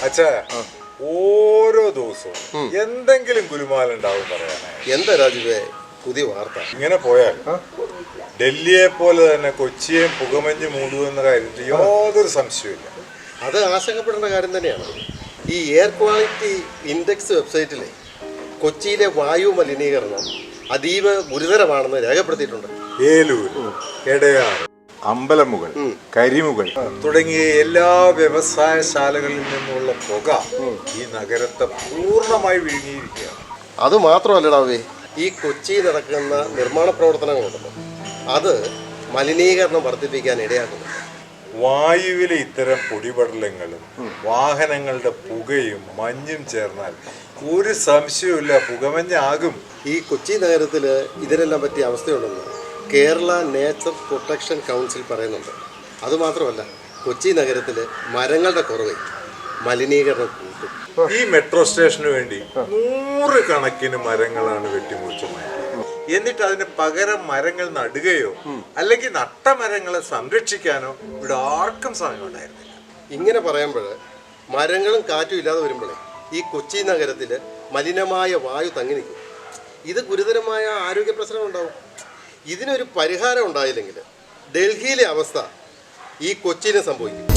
അച്ഛാ ഓരോ ദിവസവും എന്തെങ്കിലും ഗുലുമാലുണ്ടാവും പറയാനായി. എന്താ രാജുവേ പുതിയ വാർത്ത? ഇങ്ങനെ പോയാൽ ഡൽഹിയെ പോലെ തന്നെ കൊച്ചിയെ പുകമഞ്ഞ് മൂടുമെന്ന കാര്യത്തിൽ യാതൊരു സംശയമില്ല. അത് ആശങ്കപ്പെടേണ്ട കാര്യം തന്നെയാണ്. ഈ എയർ ക്വാളിറ്റി ഇൻഡെക്സ് വെബ്സൈറ്റിലെ കൊച്ചിയിലെ വായു മലിനീകരണം അതീവ ഗുരുതരമാണെന്ന് രേഖപ്പെടുത്തിയിട്ടുണ്ട്. ഏലൂർ, എടയാർ, അമ്പലമുകൾ, കരിമുകൾ തുടങ്ങിയ എല്ലാ വ്യവസായശാലകളിൽ നിന്നുള്ള പുക ഈ നഗരത്തെ പൂർണ്ണമായി വിഴുങ്ങിയിരിക്കുകയാണ്. അത് മാത്രമല്ലടാവേ, ഈ കൊച്ചിയിൽ നടക്കുന്ന നിർമ്മാണ പ്രവർത്തനങ്ങളുണ്ടല്ലോ, അത് മലിനീകരണം വർദ്ധിപ്പിക്കാൻ ഇടയാക്കുന്നു. വായുവിലെ ഇത്തരം പൊടിപടലങ്ങളും വാഹനങ്ങളുടെ പുകയും മഞ്ഞും ചേർന്നാൽ ഒരു സംശയവുമില്ല പുകമഞ്ഞാകും. ഈ കൊച്ചി നഗരത്തിൽ ഇതിനെല്ലാം പറ്റിയ അവസ്ഥയുണ്ടെന്ന് കേരള നേച്ചർ പ്രൊട്ടക്ഷൻ കൗൺസിൽ പറയുന്നുണ്ട്. അതുമാത്രമല്ല, കൊച്ചി നഗരത്തിൽ മരങ്ങളുടെ കുറവ് മലിനീകരണം കൂട്ടും. ഈ മെട്രോ സ്റ്റേഷന് വേണ്ടി 100 കണക്കിന് മരങ്ങളാണ് വെട്ടിമുറിച്ചു മാറ്റിയത്. എന്നിട്ട് അതിന് പകരം മരങ്ങൾ നടുകയോ അല്ലെങ്കിൽ നട്ട മരങ്ങളെ സംരക്ഷിക്കാനോ ഇവിടെ ആർക്കും സമയമുണ്ടായിരുന്നില്ല. ഇങ്ങനെ പറയുമ്പോൾ മരങ്ങളും കാറ്റും ഇല്ലാതെ വരുമ്പോഴേ ഈ കൊച്ചി നഗരത്തിൽ മലിനമായ വായു തങ്ങി നിൽക്കും. ഇത് ഗുരുതരമായ ആരോഗ്യ പ്രശ്നം ഉണ്ടാവും. ഇതിനൊരു പരിഹാരം ഉണ്ടായില്ലെങ്കിൽ ഡൽഹിയിലെ അവസ്ഥ ഈ കൊച്ചിയിലും സംഭവിക്കും.